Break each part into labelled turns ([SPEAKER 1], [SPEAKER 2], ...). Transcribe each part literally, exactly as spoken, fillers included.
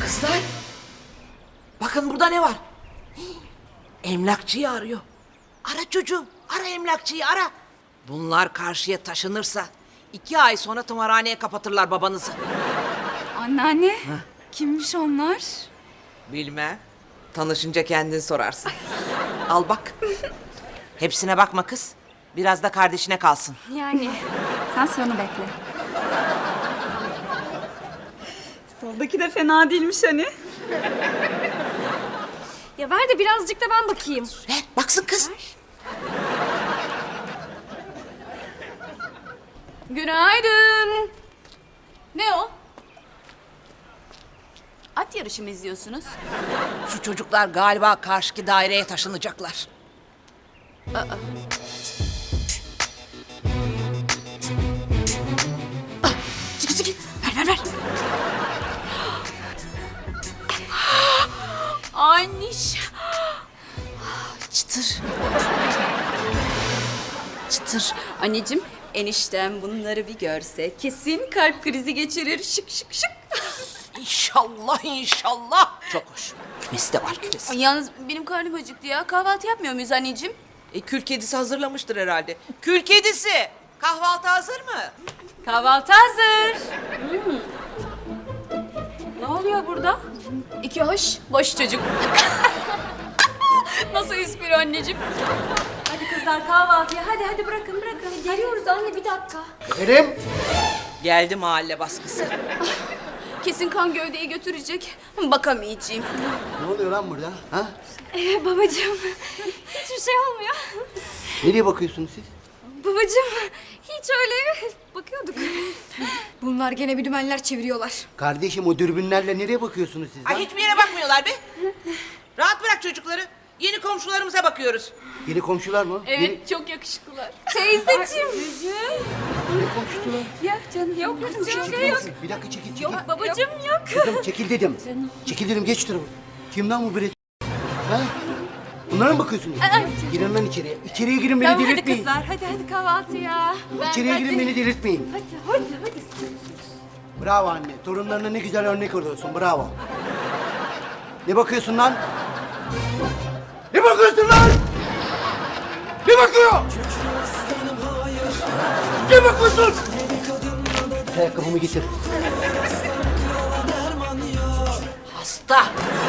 [SPEAKER 1] Kızlar, bakın burada ne var? Hii, emlakçıyı arıyor. Ara çocuğum, ara emlakçıyı ara. Bunlar karşıya taşınırsa iki ay sonra tımarhaneye kapatırlar babanızı.
[SPEAKER 2] Anneanne, kimmiş onlar?
[SPEAKER 1] Bilmem. Tanışınca kendin sorarsın. Al bak. Hepsine bakma kız. Biraz da kardeşine kalsın.
[SPEAKER 2] Yani. Sen sonu bekle. Soldaki de fena değilmiş hani. Ya ver de birazcık da ben bakayım.
[SPEAKER 1] Ver, baksın kız.
[SPEAKER 2] Günaydın. Ne o? At yarışı mı izliyorsunuz?
[SPEAKER 1] Şu çocuklar galiba karşıki daireye taşınacaklar. Aa. Çıkı çıkı. Ver ver ver.
[SPEAKER 2] Anniş.
[SPEAKER 1] Çıtır. Çıtır.
[SPEAKER 2] Anneciğim, eniştem bunları bir görse kesin kalp krizi geçirir. Şık şık şık.
[SPEAKER 1] İnşallah inşallah. Çok hoş. Kümesi de var kümesi.
[SPEAKER 2] Ay, yalnız benim karnım acıktı ya. Kahvaltı yapmıyor muyuz anneciğim?
[SPEAKER 1] E, kül kedisi hazırlamıştır herhalde. Kül kedisi. Kahvaltı hazır mı?
[SPEAKER 2] Kahvaltı hazır. Hmm. Ne oluyor burada? İki hoş, boş çocuk. Nasıl espri anneciğim? Hadi kızlar kahvaltıya. Hadi hadi bırakın bırakın. Geliyoruz anne bir dakika.
[SPEAKER 3] Efendim?
[SPEAKER 1] Geldi mahalle baskısı.
[SPEAKER 2] Kesin kan gövdeyi götürecek. Bakamayacağım.
[SPEAKER 3] Ne oluyor lan burada? Ha?
[SPEAKER 2] Ee, babacığım hiçbir şey olmuyor.
[SPEAKER 3] Nereye bakıyorsunuz siz?
[SPEAKER 2] Babacığım hiç öyle bakıyorduk. Bunlar gene bir dümenler çeviriyorlar.
[SPEAKER 3] Kardeşim o dürbünlerle nereye bakıyorsunuz siz lan?
[SPEAKER 1] Ay hiçbir yere bakmıyorlar be. Rahat bırak çocukları. Yeni komşularımıza bakıyoruz.
[SPEAKER 3] Yeni komşular mı? Yeni...
[SPEAKER 2] Evet çok yakışıklılar. Teyzeciğim.
[SPEAKER 3] Yeni komşular.
[SPEAKER 2] Yok canım yok
[SPEAKER 3] Çekil,
[SPEAKER 2] canım
[SPEAKER 3] çekil.
[SPEAKER 2] yok.
[SPEAKER 3] Bir dakika çekil çekil.
[SPEAKER 2] Yok babacığım yok.
[SPEAKER 3] Kızım çekil dedim. Çekil dedim geç şu tarafa. Kim lan bu bre... Ha? Bunlara mı bakıyorsunuz?
[SPEAKER 2] Ay,
[SPEAKER 3] Girin lan içeriye. İçeriye girin beni
[SPEAKER 2] Tamam hadi
[SPEAKER 3] delirtmeyin.
[SPEAKER 2] kızlar hadi hadi kahvaltıya. Ben,
[SPEAKER 3] İçeriye
[SPEAKER 2] hadi.
[SPEAKER 3] girin beni delirtmeyin.
[SPEAKER 2] Hadi hadi hadi.
[SPEAKER 3] Bravo anne. Torunlarına ne güzel örnek oluyorsun. Bravo. Ne bakıyorsun lan? Ne bakıyorsun lan? Ne bakıyor? Ne bakıyorsun? Ayakkabımı getir.
[SPEAKER 1] Hasta.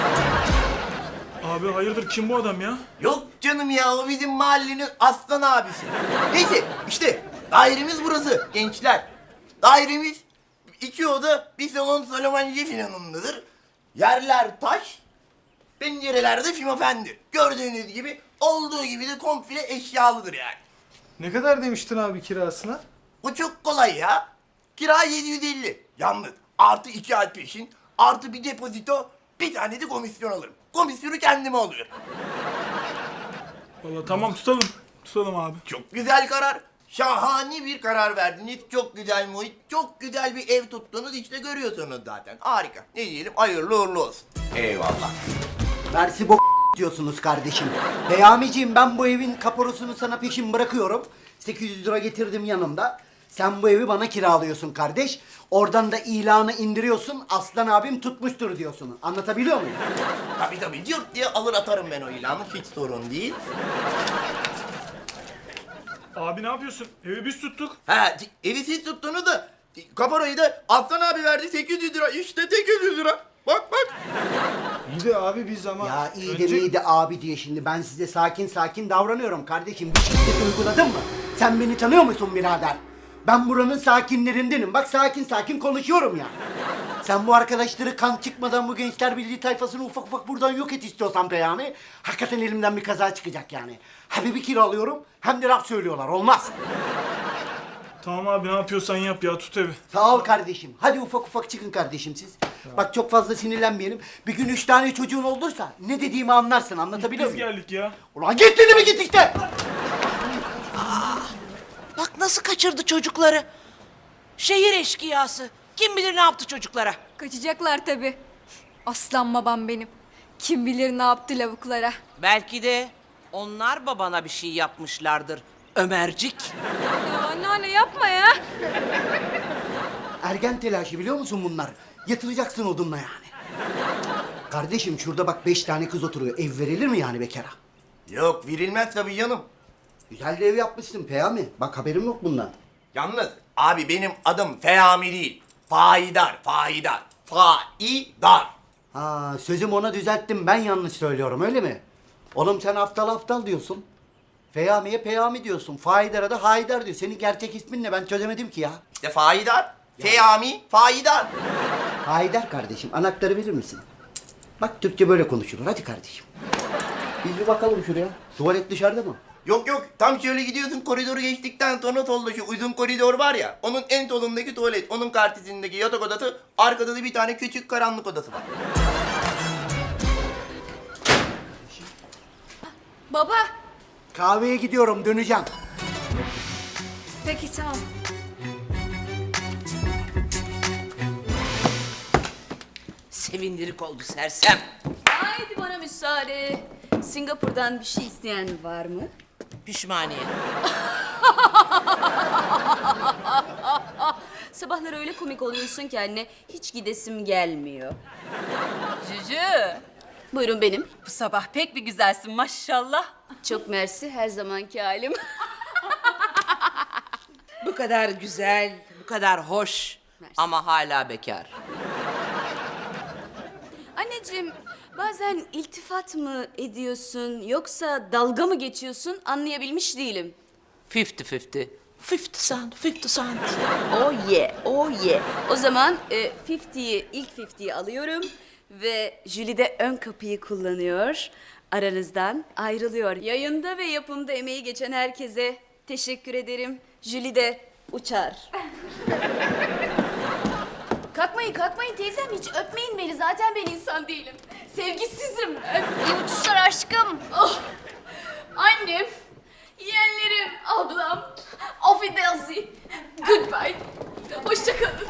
[SPEAKER 4] Abi hayırdır kim bu adam ya?
[SPEAKER 5] Yok canım ya o bizim mahallenin aslan abisi. Neyse işte dairemiz burası gençler. Dairemiz iki oda bir salon Salomon filanındadır. Yerler taş, pencerelerde fimofendi. Gördüğünüz gibi olduğu gibi de komple eşyalıdır yani.
[SPEAKER 4] Ne kadar demiştin abi kirasına?
[SPEAKER 5] O çok kolay ya. Kira yedi yüz elli. Yalnız artı iki ay peşin, artı bir depozito, bir tane de komisyon alırım. Komisyonu kendime alıyorum.
[SPEAKER 4] Vallahi tamam tutalım. Tutalım abi.
[SPEAKER 5] Çok güzel karar. Şahane bir karar verdiniz. Çok güzel muhit, çok güzel bir ev tuttunuz. İşte görüyorsunuz zaten. Harika. Ne diyelim? Hayırlı uğurlu olsun. Eyvallah.
[SPEAKER 3] Versi bok diyorsunuz kardeşim. Peyamiciğim ben bu evin kaporosunu sana peşin bırakıyorum. sekiz yüz lira getirdim yanımda. Sen bu evi bana kiralıyorsun kardeş. Oradan da ilanı indiriyorsun. Aslan abim tutmuştur diyorsun. Anlatabiliyor muyum?
[SPEAKER 5] Tabii tabii. Cırt diye alır atarım ben o ilanı. Hiç sorun değil.
[SPEAKER 4] Abi ne yapıyorsun? Evi biz tuttuk.
[SPEAKER 5] Ha, evi siz tuttunuz da kaparayı da Aslan abi verdi sekiz yüz lira. İşte sekiz yüz lira. Bak bak.
[SPEAKER 4] İyi de abi biz ama...
[SPEAKER 3] Ya iyi de
[SPEAKER 4] Önce-
[SPEAKER 3] iyi de abi diye şimdi ben size sakin sakin davranıyorum kardeşim. Bir şiddet uyguladın mı? Sen beni tanıyor musun birader? Ben buranın sakinlerindenim. Bak sakin sakin konuşuyorum ya. Sen bu arkadaşları kan çıkmadan bu Gençler Birliği tayfasını ufak ufak buradan yok et istiyorsan Peyami. Hakikaten elimden bir kaza çıkacak yani. Hem bir kiralıyorum hem de laf söylüyorlar. Olmaz.
[SPEAKER 4] Tamam abi ne yapıyorsan yap ya tut evi.
[SPEAKER 3] Sağ ol kardeşim. Hadi ufak ufak çıkın kardeşim siz. Bak çok fazla sinirlenmeyelim. Bir gün üç tane çocuğun olursa ne dediğimi anlarsın. Anlatabiliyor
[SPEAKER 4] Biz
[SPEAKER 3] muyum?
[SPEAKER 4] geldik ya.
[SPEAKER 3] Ulan git dedi mi git işte.
[SPEAKER 1] Bak nasıl kaçırdı çocukları. Şehir eşkıyası. Kim bilir ne yaptı çocuklara.
[SPEAKER 2] Kaçacaklar tabii. Aslan babam benim. Kim bilir ne yaptı lavuklara.
[SPEAKER 1] Belki de onlar babana bir şey yapmışlardır. Ömercik.
[SPEAKER 2] Ya anneanne yapma ya.
[SPEAKER 3] Ergen telaşı biliyor musun bunlar? Yatıracaksın odunla yani. Kardeşim şurada bak beş tane kız oturuyor. Ev verilir mi yani bekara?
[SPEAKER 5] Yok verilmez tabii canım.
[SPEAKER 3] Güzel de ev yapmışsın Peyami. Bak haberim yok bundan.
[SPEAKER 5] Yalnız abi benim adım Fehami değil. Faidar, faidar. Faidar.
[SPEAKER 3] Ha sözüm ona düzelttim. Ben yanlış söylüyorum öyle mi? Oğlum sen aptal aptal diyorsun. Peyami'ye Peyami diyorsun. Faidar'a da Haydar diyor. Senin gerçek ismin ne? Ben çözemedim ki ya.
[SPEAKER 5] İşte faidar. Fehami, faidar.
[SPEAKER 3] Haydar kardeşim anahtarı verir misin? Bak Türkçe böyle konuşulur. Hadi kardeşim. Biz bir bakalım şuraya. Tuvalet dışarıda mı?
[SPEAKER 5] Yok yok tam şöyle gidiyorsun koridoru geçtikten sonra solda şu uzun koridor var ya. Onun en solundaki tuvalet. Onun karşısındaki yatak odası. Arkada da bir tane küçük karanlık odası var.
[SPEAKER 2] Baba.
[SPEAKER 3] Kahveye gidiyorum döneceğim.
[SPEAKER 2] Peki tamam.
[SPEAKER 1] Sevindirik oldu sersem.
[SPEAKER 6] Haydi bana müsaade. Singapur'dan bir şey isteyen var mı?
[SPEAKER 1] Pişmaniye.
[SPEAKER 6] Sabahları öyle komik oluyorsun ki anne, hiç gidesim gelmiyor.
[SPEAKER 7] Cücü,
[SPEAKER 6] Buyurun benim.
[SPEAKER 7] bu sabah pek bir güzelsin maşallah.
[SPEAKER 6] Çok mersi, her zamanki halim.
[SPEAKER 1] Bu kadar güzel, bu kadar hoş
[SPEAKER 6] Mersi.
[SPEAKER 1] ama hala bekar.
[SPEAKER 6] Anneciğim, bazen iltifat mı ediyorsun yoksa dalga mı geçiyorsun anlayabilmiş değilim.
[SPEAKER 1] Fifty fifty. Fifty cent, fifty cent.
[SPEAKER 6] Oh yeah, oh yeah. O zaman e, elliyi, ilk elliyi alıyorum ve Julie de ön kapıyı kullanıyor. Aranızdan ayrılıyor. Yayında ve yapımda emeği geçen herkese teşekkür ederim. Julie de uçar. Kalkmayın, kalkmayın teyzem. Hiç öpmeyin beni. Zaten ben insan değilim. Sevgisizim. Öp. İyi uçuşlar aşkım. Oh. Annem, yeğenlerim, ablam. Auf Wiedersehen. Goodbye. Hoşçakalın.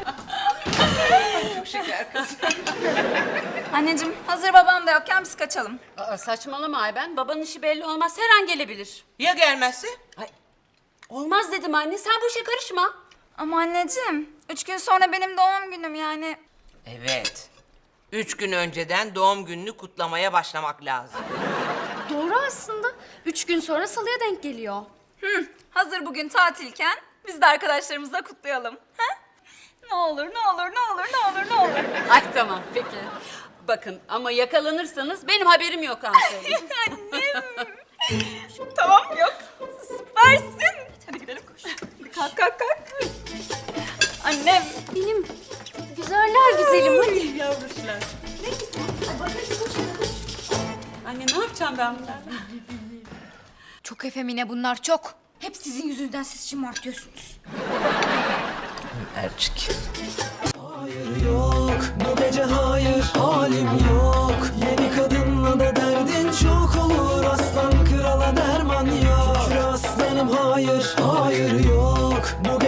[SPEAKER 2] Anneciğim hazır babam da yokken biz kaçalım.
[SPEAKER 7] Aa, saçmalama Ayben, babanın işi belli olmaz, her an gelebilir.
[SPEAKER 1] Ya gelmezse?
[SPEAKER 7] Ay, olmaz dedim anne, sen bu işe karışma.
[SPEAKER 2] Ama anneciğim üç gün sonra benim doğum günüm yani.
[SPEAKER 1] Evet. Üç gün önceden doğum gününü kutlamaya başlamak lazım.
[SPEAKER 6] Doğru aslında. Üç gün sonra salıya denk geliyor.
[SPEAKER 2] Hı, hazır bugün tatilken biz de arkadaşlarımızla kutlayalım. Ha? Ne olur, ne olur, ne olur, ne olur, ne olur.
[SPEAKER 7] Ay tamam, peki. Bakın ama yakalanırsanız benim haberim yok ha söyleyeyim.
[SPEAKER 2] Annem. Tamam yok. Süpersin. Hadi gidelim koş. Kalk kalk kalk. Annem.
[SPEAKER 6] Benim güzeller güzelim hadi.
[SPEAKER 7] Yavruşlar. Anne ne yapacağım ben bunlarla?
[SPEAKER 2] Çok efemine bunlar çok. Hep sizin yüzünüzden siz şımartıyorsunuz.
[SPEAKER 1] Ercik.
[SPEAKER 8] Hayır yok, bu gece hayır, halim yok. Yeni kadınla da derdin çok olur, aslan krala derman yok. Şükür aslanım hayır, hayır yok, bu